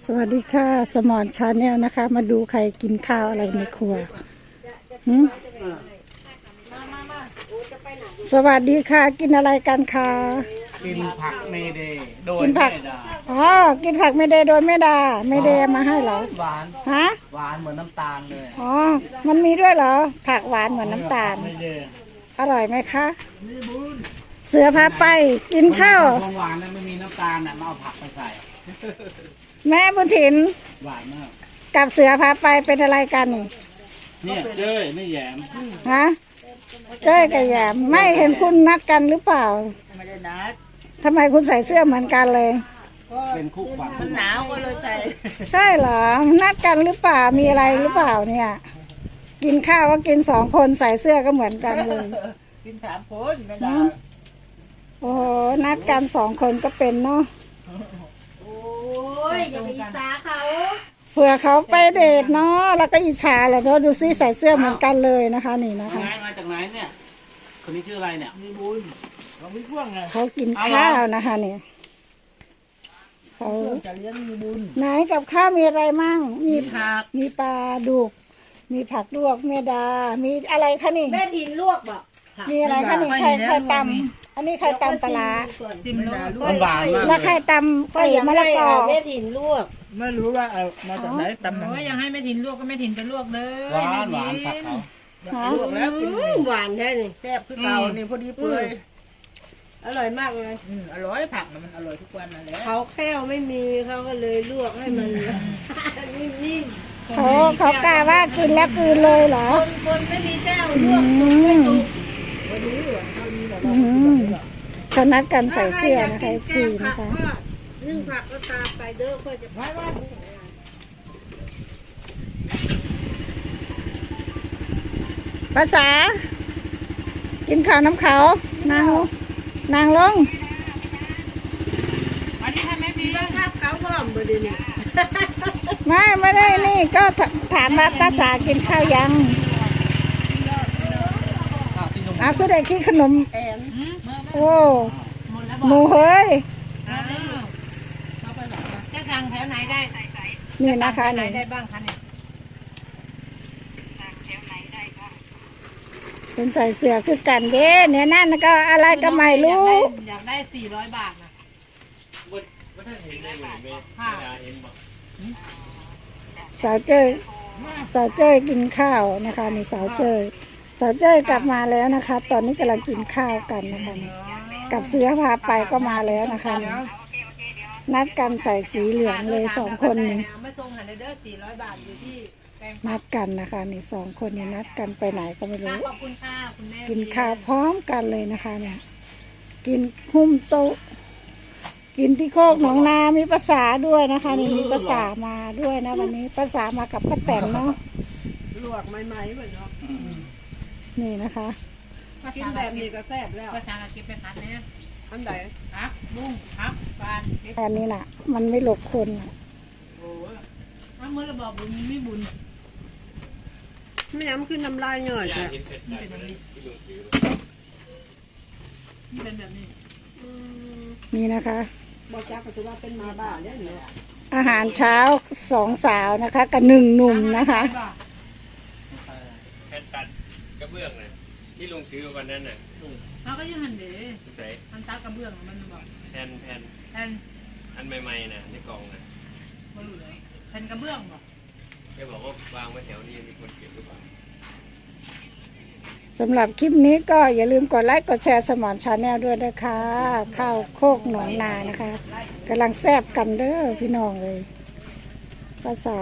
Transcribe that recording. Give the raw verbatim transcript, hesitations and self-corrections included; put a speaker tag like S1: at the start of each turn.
S1: สวัสดีค่ะสมอนชาแนลนะคะ มาดูใครกินข้าวอะไรในครัวหืมสวัสดีค่ะกินอะไรกันคะ
S2: กินผักเมเดย์โดย
S1: กินผัก
S2: ไม่ได้
S1: อ๋อกินผักไม่ได้โดยไม่ดาไม่ได้มาให้เหรอ
S2: หวาน
S1: ฮะ
S2: หวานเหมือนน้ำตาลเลย
S1: อ๋อมันมีด้วยเหรอผักหวานเหมือนน้ำตาล
S2: เมเดย์
S1: อร่อยไหมคะเสือพาไปกินข้าว
S2: ของหวานนั้นไม่มีน้ำตาลน่ะมาเอาผักไปใส่
S1: แม่บุญถิน
S2: หวานมาก
S1: กับเสือพาไปเป็นอะไรกันนี่
S2: เนี่ยเจ้ยไม่แหยม
S1: ฮะเจ้ยกับแยมไม่เห็นคุณนัดกันหรือเปล่า
S2: ไม่ได้นัด
S1: ทำไมคุณใส่เสื้อเหมือนกันเลย
S2: เป็นคู่ขวัญ
S3: มันหนาวก็เลยใส่
S1: ใช่เหรอนัดกันหรือเปล่ามีอะไรหรือเปล่าเนี่ย กินข้าวก็กินสองคนใส่เสื้อก็เหมือนกันเลย
S3: กินสามคนไม่ได้
S1: โอ้โหนัดกันสองคนก็เป็นเนาะ
S3: โอ้ยอย่าไปอิจฉาเขา
S1: เผื่อเขาไปเดทเนาะแล้วก็อิจฉาแหละเพราะดูซิใส่เสื้อเหมือนกันเลยนะคะ นี่นะ
S2: มา
S1: คะ
S2: ไงมาจากไหนเนี่ยคนนี้ชื่ออะไรเนี่ยมีบุญเราไม่พ่วงไง
S1: เขากินข้าวนะคะนี่เขา
S3: จะเลี้ยงมีบุญ
S1: ไหนกับข้าวมีอะไรมั่งมี
S3: ผัก
S1: มีปลาดุกมีผักลวกเมดา มีอะไรคะนี่
S3: แม่ทินลวกบ่ผัก
S1: มีอะไรคะนี่ไข่ไข่ตำอันนี้ไข่ตำปลาร้า
S3: ซิมลวก
S2: มันหวานมาก
S1: แล้วไข่ตำไข่มะละกอ
S3: แม่ทินลวก
S2: ไม่รู้ว่าเอามาจากไหนตำ
S4: โอ้ยยังให้แม่ถิ่นลวกก็แม่ถิ่นจะลวกเด้อ
S2: หวานหวานผักเขา
S1: ฮะ
S3: ลวกแล้วกินหวานแท้นี่แซ่บคือเก่านี่พอดีเปื่อยอร่อยมากเลย
S4: อืมอร่อยผักน่ะมันอร่อยทุกวันนั่นแหละ
S3: เขาแค่วไม่มีเขาก็เลยลวกให้มันนิ่ม
S1: เขาเขากล่าวว่ากินแล้วกินเลยเหรอ
S3: ๆคนคนไม่มีแก้วลวกสุกไม่สุก
S1: อืมเขานัดกันใส่เสื้อนะคะสีนะคะ
S3: นึ่งผักก็ตามไปเด้อเพื่อจะไว้ว่า
S1: ภาษา กินข้าวน้ำเขานางลงนางลง
S4: วันนี้ถ้าแม่มี
S3: ภาพเขาพร้อมบ่เดี๋ยวนี้
S1: ไม่ไม่ได้นี่ก็ถถามว่าภาษากินข้าวยังอาคือได้กินขนม
S3: แอน
S1: โอ้
S4: หมดแล้ว
S1: ห
S4: บ
S1: มู
S4: อก
S1: เฮ้ย
S4: อ้าวจะสั่งแถวไหนได้
S1: นี่นะคะ
S4: ไหน
S1: นี่
S4: ได้บ้างคะเนี่ย
S1: เป็นใส่เสื้อคือกันเด้เนี่ยนั่นก็อะไรก็ไม่รู้
S4: อยากได้สี่ร้อยบาทนะค่ะ
S1: สาวเจ้ยสาวเจ้ยกินข้าวนะคะนี่สาวเจ้ยสาวเจ้ยกลับมาแล้วนะคะ ตอนนี้กำลังกินข้าวกันนะคะนี่กับเสือพาไปก็มาแล้วนะคะนี่นัดกันใส่สีเหลืองเลยสองคนนี่
S4: เอามาส่งหันเด้อสี่ร้อยบาทอยู่ที่แปลง
S1: นัดกันนะคะนี่สองคนนี่นัดกันไปไหนก็ไม่รู้
S4: ขอบคุณค่ะคุณแม่
S1: กินข้าวพร้อมกันเลยนะคะเนี่ยกินหุ้มโต๊ะกินที่โคกหนองนามีภาษาด้วยนะคะนี่มีภาษามาด้วยนะวันนี้ภาษามากับป้าแตนเนาะ
S3: ลวกใหม่ๆเหมือนเนาะ
S1: นี่นะคะ
S4: ภา
S3: กิน
S4: ษา
S3: แบบ
S4: เก็
S3: นี้
S4: บ
S3: ก็แซ่บแล้ว
S4: ภาษาเก็บไปคัดเนี่ย
S3: อันไหน
S4: พักบุ้งพักปาน
S1: อันนี้น่ะ มันไม่หลบคนน่ะ
S4: ถ้าเมื่อเราบอกบุญไม่บุญ
S3: ไม่ย้ำขึ้นน้ำลายหน่อยจ้ะ
S4: มันเป็นแบบนี้มันเป็นแบบนี้
S1: นี่นะคะ
S3: บอกจ้าก็ถือว่าเป็นมาบ้าเนี่ยเนาะ
S1: อาหารเช้าสองสาวนะคะกับหนึ่งหนุ่มนะคะ
S5: แผ่นตัดกระเบื้องนะที่ลงถือวันนั้นน่ะ
S4: เขาก็ยังหันเด๋
S5: ไหน
S4: มันตักกระเบื้องมันบอก
S5: แผ่นแผ่น
S4: แผ่น
S5: อันใหม่ๆนะในกล่องนะ
S4: บรูเลยแผ่นกระเบื้องบอก
S5: แกบอกว่าวางไว้แถวนี้มีคนเก็บหรือเปล่า
S1: สำหรับคลิปนี้ก็อย่าลืมกดไลค์กดแชร์สมอนชาแนลด้วยนะคะข้าวโคกหนองนานะคะกำลังแซ่บกันเด้อพี่น้องเลยภาษา